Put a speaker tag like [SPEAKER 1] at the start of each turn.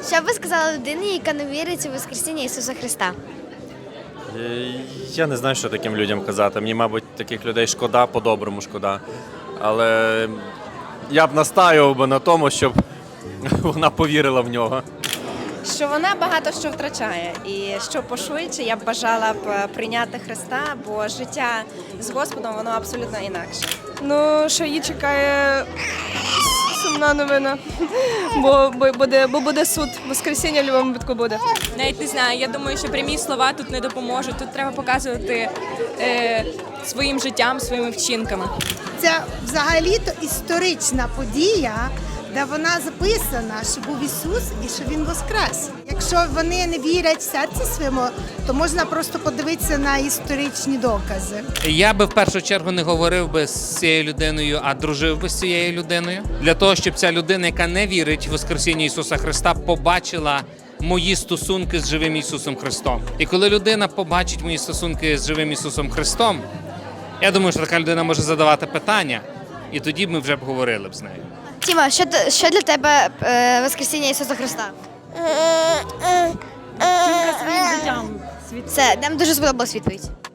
[SPEAKER 1] Що б ви сказали людині, яка не вірить у Воскресіння Ісуса Христа?
[SPEAKER 2] Я не знаю, що таким людям казати. Мені, мабуть, таких людей шкода, по-доброму шкода. Але я б настаював би на тому, щоб вона повірила в нього.
[SPEAKER 3] Що вона багато що втрачає, і що пошвидше я б бажала б прийняти Христа, бо життя з Господом воно абсолютно інакше.
[SPEAKER 4] Ну, що її чекає сумна новина, бо буде суд, воскресіння в будь-якому випадку буде.
[SPEAKER 5] Навіть не знаю, я думаю, що прямі слова тут не допоможуть. Тут треба показувати своїм життям, своїми вчинками.
[SPEAKER 6] Це взагалі-то історична подія, де вона записана, що був Ісус і що Він воскрес. Якщо вони не вірять в серці своєму, то можна просто подивитися на історичні докази.
[SPEAKER 7] Я би в першу чергу не говорив би з цією людиною, а дружив би з цією людиною. Для того, щоб ця людина, яка не вірить в Воскресіння Ісуса Христа, побачила мої стосунки з живим Ісусом Христом. І коли людина побачить мої стосунки з живим Ісусом Христом, я думаю, що така людина може задавати питання, і тоді ми вже б говорили б з нею.
[SPEAKER 1] Тіма, що для тебе Воскресіння Ісуса Христа?
[SPEAKER 8] Своїм життям.
[SPEAKER 1] Це нам дуже сподобалась відповідь.